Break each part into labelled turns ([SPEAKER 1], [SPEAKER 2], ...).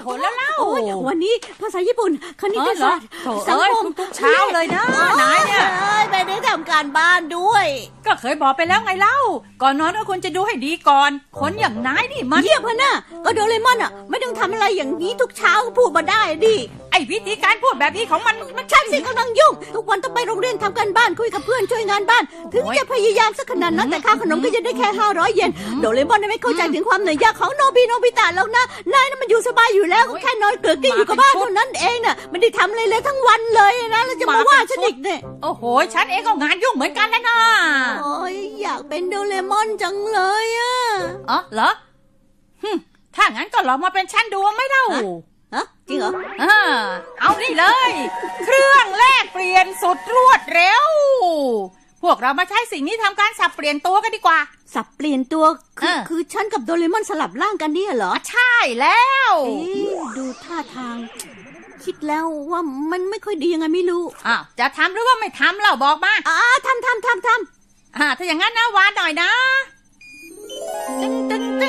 [SPEAKER 1] หนแล้วเล่า
[SPEAKER 2] วันนี้ภาษาญี่ปุ่นคณิตศาสตร์สังคม
[SPEAKER 1] ทุกเช้าเลยนะนายเนี่ย
[SPEAKER 2] ไม่ได้ทำการบ้านด้วย
[SPEAKER 1] ก็เคยบอกไปแล้วไงเล่าก่อนนอนก็ควรจะดูให้ดีก่อนคนอย่างนายนี่มัน
[SPEAKER 2] เยี่ยมพะน่ะก็โดเรมอนอ่ะไม่ต้องทำอะไรอย่างนี้ทุกเช้าพูดมาได้ดิ
[SPEAKER 1] ไอ้วิธีการพูดแบบนี้ของมัน
[SPEAKER 2] ฉันสิกำลังยุ่งทุกวันต้องไปโรงเรียนทำการบ้านคุยกับเพื่อนช่วยงานบ้านถึงจะพยายามสักขนาดนั้นแต่ค่าขนมก็จะได้แค่500 เยนโดเรมอนไม่เข้าใจถึงความเหนื่อยยากของโนบิตะแล้วนะนายน่ะมันอยู่สบายอยู่แล้วแค่นอนเกลือกกิ้งอยู่กับบ้านเท่านั้นเองน่ะไม่ได้ทำอะไรเลยทั้งวันเลยนะแล้วจะมาว่าฉันอีกเนี่ย
[SPEAKER 1] โอ้โหฉันเองก็งานยุ่งเหมือนกันแล้วนะ
[SPEAKER 2] โอ้ยอยากเป็นโดเรมอนจังเลยอ่ะ
[SPEAKER 1] อ๋อเหรอถ้างั้นก็ลองมาเป็นฉันดูไม่เล่า
[SPEAKER 2] จริงเหรอ
[SPEAKER 1] เอานี่เลยเครื่องแลกเปลี่ยนสุดรวดเร็วพวกเรามาใช้สิ่งนี้ทำการสับเปลี่ยนตัวกันดีกว่า
[SPEAKER 2] สับเปลี่ยนตัวคือฉันกับโดเรมอนสลับร่างกันเนี่ยเหรอ
[SPEAKER 1] ใช่แล้ว
[SPEAKER 2] ดูท่าทางคิดแล้วว่ามันไม่ค่อยดียังไงไม่รู้
[SPEAKER 1] จะทำหรือว่าไม่ทำเราบอกมา
[SPEAKER 2] ทำ
[SPEAKER 1] ถ้าอย่างนั้นนะวานหน่อยนะตึง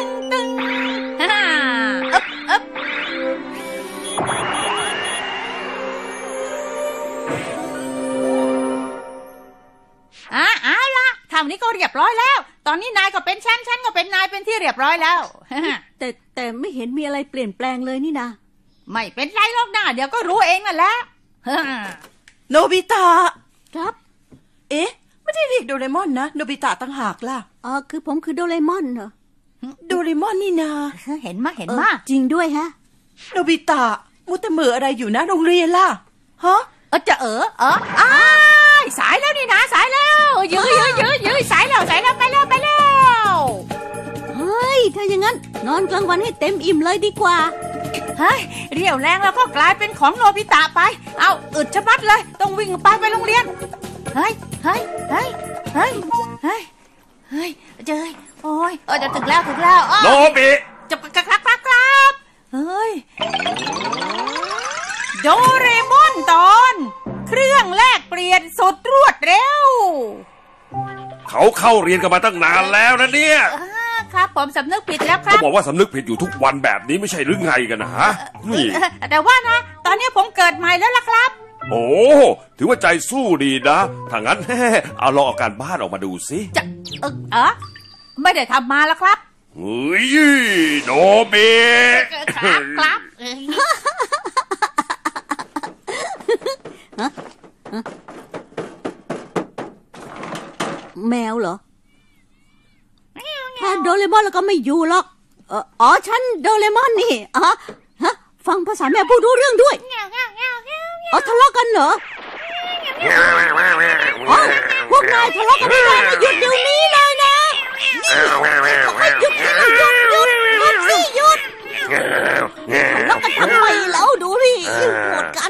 [SPEAKER 1] เอาล่ะทำนี้ก็เรียบร้อยแล้วตอนนี้นายก็เป็นฉันก็เป็นนายเป็นที่เรียบร้อยแล้ว
[SPEAKER 2] แต่ไม่เห็นมีอะไรเปลี่ยนแปลงเลยนี่นะ
[SPEAKER 1] ไม่เป็นไรหรอกนะเดี๋ยวก็รู้เองนั่นแหละ
[SPEAKER 3] โนบิตะ
[SPEAKER 2] ครับ
[SPEAKER 3] ไม่ได้เรียกโดเรมอนนะโนบิตะต่างหากล่ะ
[SPEAKER 2] คือผมคือโดเรมอนเหรอ
[SPEAKER 3] โดเรมอนนี่นา
[SPEAKER 1] เห็นมา
[SPEAKER 2] จริงด้วยฮะ
[SPEAKER 3] โนบิตะมุตะมืออะไรอยู่นะโรงเรียนล่ะฮะ
[SPEAKER 1] จะสายแล้วนี่นะสายแล้วยื้อสายแล้วไปแล้ว
[SPEAKER 2] เฮ้ยถ้าอย่างนั้นนอนกลางวันให้เต็มอิ่มเลยดีกว่า
[SPEAKER 1] เฮ้ยเรี่ยวแรงแล้วก็กลายเป็นของโนบิตะไปเอาอึดชะมัดเลยต้องวิ่งไปโรงเรียนเฮ้ยเจอโอ้ยจะถึงแล้ว
[SPEAKER 4] โนบิ
[SPEAKER 1] จะครับเฮ้ยโดเรมอนตอนเครื่องแลกเปลี่ยนสุดรวดเร็ว
[SPEAKER 4] เขาเข้าเรียนกันมาตั้งนานแล้วนะเนี่ย
[SPEAKER 1] ครับผมสำนึกผิดแล้วครับ
[SPEAKER 4] เขาบอกว่าสำนึกผิดอยู่ทุกวันแบบนี้ไม่ใช่หรือไงกันนะฮะนี่
[SPEAKER 1] แต่ว่านะตอนนี้ผมเกิดใหม่แล้วล่ะครับ
[SPEAKER 4] โอ้ถือว่าใจสู้ดีนะถ้างั้นเอาลองเอาการบ้านออกมาดูสิ
[SPEAKER 1] จะไม่ได้ทำมาแล้วครับ
[SPEAKER 4] เฮ้ยโนบิ
[SPEAKER 1] ครับ
[SPEAKER 2] แมวเหรอถ้าโดเรมอนแล้วก็ไม่อยู่หรอกฉันโดเรมอนนี่ฟังภาษาแมวพูดรู้เรื่องด้วยทะเลาะกันเหรอพวกนายทะเลาะกันไม่ได้นะหยุดเดี๋ยวนี้เลยนะหยุดทะเลาะกันทำไมแล้วดูดิโกรธกัน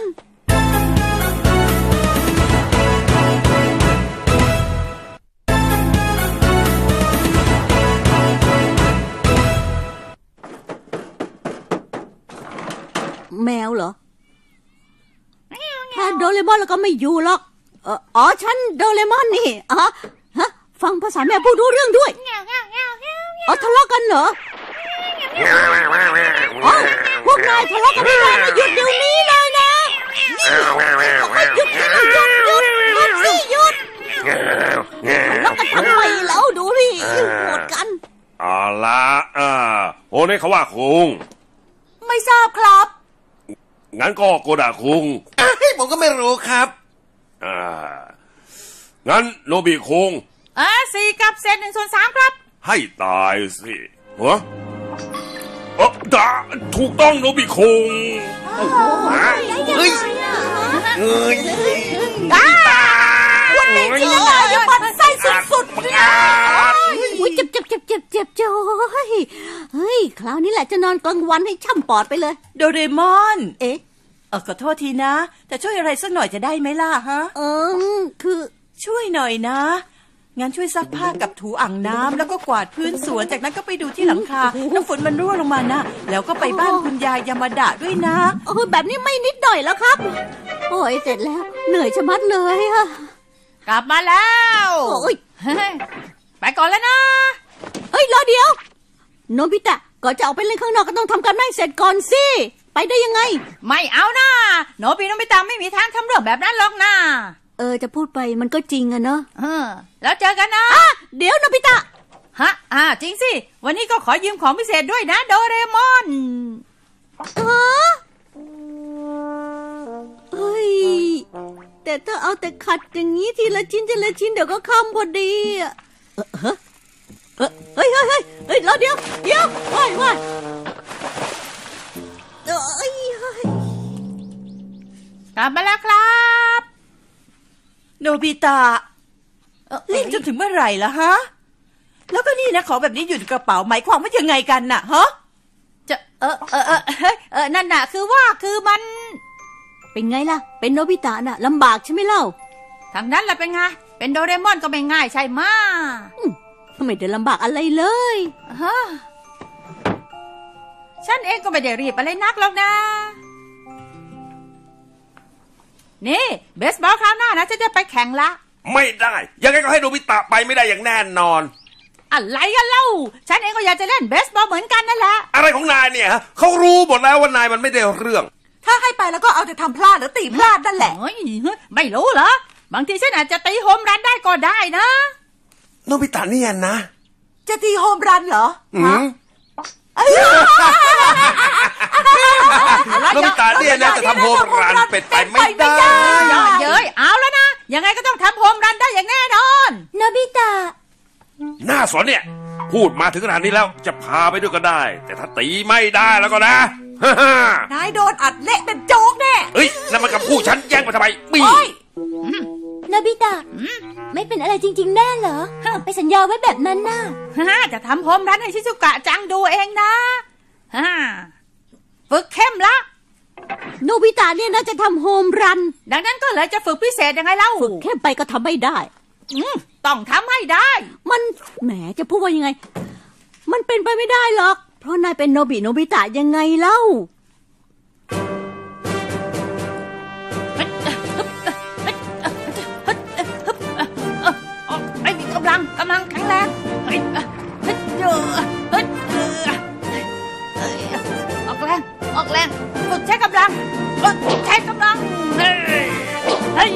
[SPEAKER 2] แมวเหรอถ้าโดเรมอนแล้วก็ไม่อยู่หรอกฉันโดเรมอนนี่ฟังภาษาแมวพูดรู้เรื่องด้วยทะเลาะกันเหรอพวกนายทะเลาะกันไม่ได้นะหยุดเดี๋ยวนี้เลยนะหยุดทะเลาะกันทำไมแล้วดูดิโกรธกัน
[SPEAKER 4] เอาละโอ้นี่เขาว่าคุง
[SPEAKER 1] ไม่ทราบครับ
[SPEAKER 4] งั้นก็โกดาคุง
[SPEAKER 3] ผมก็ไม่รู้ครับ
[SPEAKER 4] งั้นโนบิคุง
[SPEAKER 1] 4 กับเศษ 1/3ครับ
[SPEAKER 4] ให้ตายสิหัวถูกต้องโนบิคุง
[SPEAKER 3] เฮ้ย
[SPEAKER 2] วันนี้จริงเลยยังมันไส้สุดๆเลยเจ็บเฮ้ยคราวนี้แหละจะนอนกลางวันให้ช่ำปอดไปเลย
[SPEAKER 3] โดเรมอนขอโทษทีนะแต่ช่วยอะไรสักหน่อยจะได้ไหมล่ะฮะ
[SPEAKER 2] คือ
[SPEAKER 3] ช่วยหน่อยนะงั้นช่วยซักผ้ากับถูอ่างน้ำแล้วก็กวาดพื้นสวนจากนั้นก็ไปดูที่หลังคาน้ำฝนมันรั่วลงมานะแล้วก็ไปบ้านคุณยายยามาดะด้วยนะ
[SPEAKER 2] แบบนี้ไม่นิดหน่อยแล้วครับโอ้ยเสร็จแล้วเหนื่อยชะมัดเลยอะ
[SPEAKER 1] กลับมาแล้วไปก่อนแล้วนะ
[SPEAKER 2] รอเดี๋ยวโนบิตะก่อนจะออกไปเล่นข้างนอกก็ต้องทำการบ้านเสร็จก่อนสิไปได้ยังไง
[SPEAKER 1] ไม่เอานะโนบิโนบิตะไม่มีทางทำเรื่องแบบนั้นหรอกนะ
[SPEAKER 2] จะพูดไปมันก็จริงอะเนาะ
[SPEAKER 1] แล้วเจอกันนะ
[SPEAKER 2] เดี๋ยวโนบิตะ
[SPEAKER 1] ฮะจริงสิวันนี้ก็ขอยืมของพิเศษด้วยนะโดเรมอน
[SPEAKER 2] เฮ้ยแต่ถ้าเอาแต่ขัดอย่างนี้ทีละชิ้นทีละชิ้นเดี๋ยวก็ค่ำพอดีเฮ้ยแล้วเดี๋ยวว่าย
[SPEAKER 1] กลับมาแล้วครับ
[SPEAKER 3] โนบิตะรีบจนถึงเมื่อไหร่ล่ะฮะแล้วก็นี่นะของแบบนี้อยู่ในกระเป๋าหมายความว่ายังไงกันน่ะฮะ
[SPEAKER 1] จะนั่นน่ะคือมัน
[SPEAKER 2] เป็นไงล่ะเป็นโนบิตะน่ะลำบากใช่ไหมเล่า
[SPEAKER 1] ทางนั้นล่ะเป็นไงเป็นโดเรมอนก็ไม่ง่ายใช่ไหม
[SPEAKER 2] ไม่ได้ลำบากอะไรเลย
[SPEAKER 1] ฉันเองก็ไม่ได้รีบอะไรนักหรอกนะนี่เบสบอลคราวหน้านะจะไปแข่งละ
[SPEAKER 4] ไม่ได้ยังไงก็ให้โนบิตะไปไม่ได้อย่างแน่นอน
[SPEAKER 1] อะไรกันเล่าฉันเองก็อยากจะเล่นเบสบอลเหมือนกันนั่นแหละ
[SPEAKER 4] อะไรของนายเนี่ยเขารู้หมดแล้วว่านายมันไม่ได้เรื่อง
[SPEAKER 3] ถ้าให้ไปแล้วก็เอาแต่ทำพลาดหรือตีพลาดนั่นแหละ
[SPEAKER 1] ไม่รู้เหรอบางทีฉันอาจจะตีโฮมรันได้ก็ได้นะ
[SPEAKER 4] โนบิตะเนี่ยนะ
[SPEAKER 3] จะตีโฮมรันเหรอ
[SPEAKER 4] โนบิตะเนี่ยนะจะทำโฮมรันเป็นไปไม่ได้
[SPEAKER 1] เย้ยเอาแล้วนะยังไงก็ต้องทำโฮมรันได้อย่างแน่นอน
[SPEAKER 2] โนบิตะ
[SPEAKER 4] น่าสนเนี่ยพูดมาถึงขนาดนี้แล้วจะพาไปด้วยก็ได้แต่ถ้าตีไม่ได้แล้วก็นะ
[SPEAKER 3] นายโดนอัดเละเป็นโจ๊กแน่
[SPEAKER 4] เฮ้ยนั่นมันกับผู้ฉันแย่งมาทำไมปี
[SPEAKER 2] โนบิตะไม่เป็นอะไรจริงๆแน่เหรอไปสัญญาไว้แบบนั้นน่ะ
[SPEAKER 1] จะทำโฮมรันให้ชิซุกะจังดูเองนะฝึกเข้มละ
[SPEAKER 2] โนบิตะเนี่ยน่าจะทำโฮมรัน
[SPEAKER 1] ดังนั้นก็เลยจะฝึกพิเศษยังไงเล่า
[SPEAKER 2] ฝึกเข้มไปก็ทำไม่ได้
[SPEAKER 1] ต้องทำให้ได้
[SPEAKER 2] มันแหมจะพูดว่ายังไงมันเป็นไปไม่ได้หรอกเพราะนายเป็นโนบิตะยังไงเล่า
[SPEAKER 1] ไอ้มีกำลังแข็งแรงออกแรงฝึกใช้กำลังเฮ้ย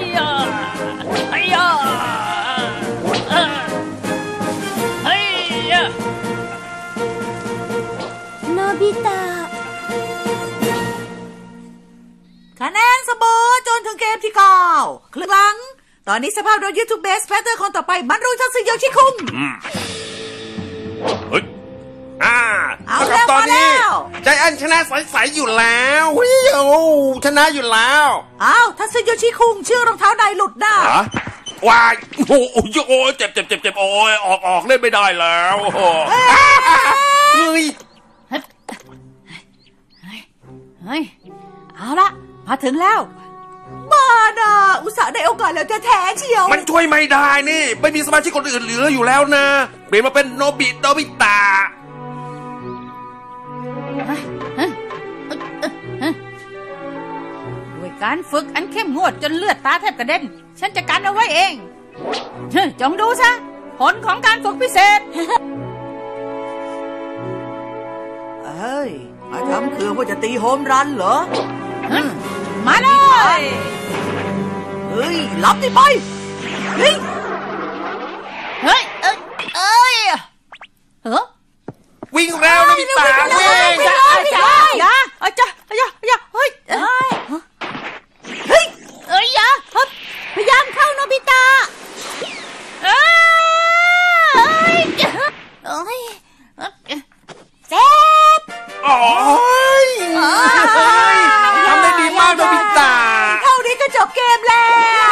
[SPEAKER 2] โนบิตะ
[SPEAKER 3] คะแนนเสมอจนถึงเกมที่9ครึ่งหลังตอนนี้สภาพโดนยึดทุกเบสแพทเตอร์คนต่อไปมันรู้ทักษิโยชิคุง
[SPEAKER 4] เฮ้ยเอาแล้วตอนนี้ใจแอนชนะใสๆอยู่แล้วชนะอยู่แล้ว
[SPEAKER 3] ทักษิโยชิคุงชื่อรองเท้านายหลุดนะ
[SPEAKER 4] วายโอ้เจ็บโอ้ยออกเล่นไม่ได้แล้วเฮ้
[SPEAKER 1] ยเอาละมาถึงแล้ว
[SPEAKER 3] บ้าน่ะอุตส่าห์ได้โอกาสแล้วแท้เชียว
[SPEAKER 4] มันช่วยไม่ได้นี่ไม่มีสมาชิกคนอื่นเหลืออยู่แล้วนะเปลี่ยนมาเป็นโนบิตะ
[SPEAKER 1] ด้วยการฝึกอันเข้มงวดจนเลือดตาแทบกระเด็นฉันจะกันเอาไว้เองจงดูซะผลของการฝึกพิเศษ
[SPEAKER 3] มาทำคือว่าจะตีโฮมรันเหรอ
[SPEAKER 1] มาเลย
[SPEAKER 3] รับดิไป
[SPEAKER 4] วิ่งแล้วนะพี่ตาวิ่ง
[SPEAKER 1] อย่า
[SPEAKER 2] พยายามเข้าโนบิตะเจ็บ
[SPEAKER 4] ทำได้ดีมากโนบิตะ
[SPEAKER 3] เท่านี้ก็จบเกมแล้ว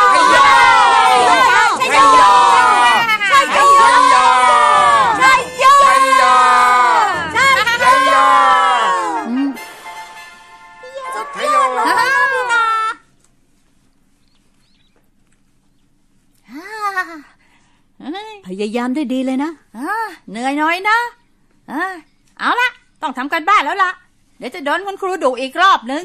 [SPEAKER 2] พยายามได้ดีเลยนะ
[SPEAKER 1] เหนื่อยหน่อยนะเอาละต้องทำกันบ้านแล้วล่ะเดี๋ยวจะโดนคุณครูดุอีกรอบนึง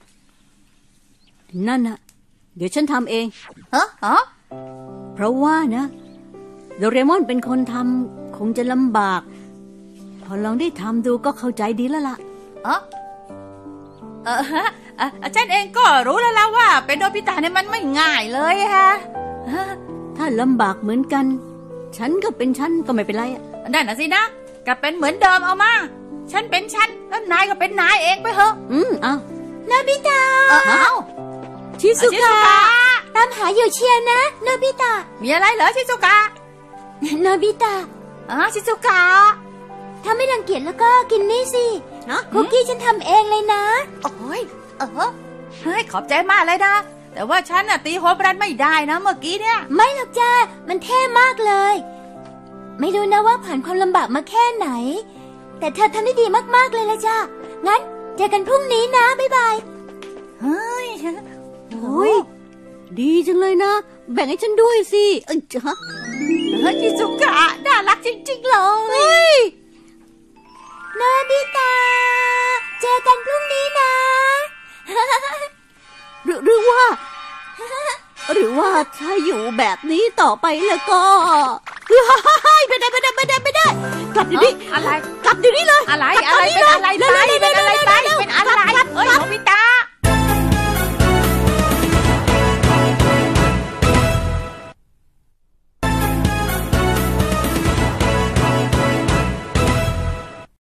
[SPEAKER 2] นั่นน่ะเดี๋ยวฉันทำเองเพราะว่านะโดเรมอนเป็นคนทำคงจะลำบากพอลองได้ทำดูก็เข้าใจดีแล้วล่ะ
[SPEAKER 1] ฉันเองก็รู้แล้วล่ะว่าเป็นโนบิตะเนี่ยมันไม่ง่ายเลยฮะ
[SPEAKER 2] ถ้าลำบากเหมือนกัน ฉันก็เป็นฉันก็ไม่เป็นไรอะ
[SPEAKER 1] นั่นน่ะสินะกลับเป็นเหมือนเดิมเอามาฉันเป็นฉันแล้วนายก็เป็นนายเองไปเถอะ
[SPEAKER 2] เอา
[SPEAKER 5] โนบิตะ
[SPEAKER 2] ชิซุกะ
[SPEAKER 5] ตามหาอยู่เชียร์นะโนบิตะ
[SPEAKER 1] มีอะไรเหรอชิซุกะ
[SPEAKER 5] โนบิตะ
[SPEAKER 1] ชิซุกะ
[SPEAKER 5] ถ้าไม่รังเกียจแล้วก็กินนี่สิคุกกี้ฉันทำเองเลยนะ
[SPEAKER 1] โอ้ยเฮ้ยขอบใจมากเลยนะแต่ว่าฉันน่ะตีหัวบรันไม่ได้นะเมื่อกี้เนี่ย
[SPEAKER 5] ไม่หรอกจ้ามันเท่มากเลย ไม่รู้นะว่าผ่านความลำบากมาแค่ไหน แต่เธอทำได้ดีมากๆเลยละจ้างั้นเจอกันพรุ่งนี้นะบ๊ายบาย
[SPEAKER 1] เฮ้ย
[SPEAKER 2] โอ้ยดีจังเลยนะ แบ่งให้ฉันด้วยสิฮะ
[SPEAKER 1] ชิซุกะน่ารักจริงๆเลย
[SPEAKER 5] โนบิตะเจอกันพรุ่งนี้นะ
[SPEAKER 2] หรือว่าถ้าอยู่แบบนี้ต่อไปแล้วก็ไม่ได้กลับเดี๋ยวนี้
[SPEAKER 1] อะไร
[SPEAKER 2] กลับเดี๋ยวนี้เลย
[SPEAKER 1] อะไร
[SPEAKER 2] กลับตอนนี้เลย
[SPEAKER 1] อะไรเป็นอะไร
[SPEAKER 2] เร็ว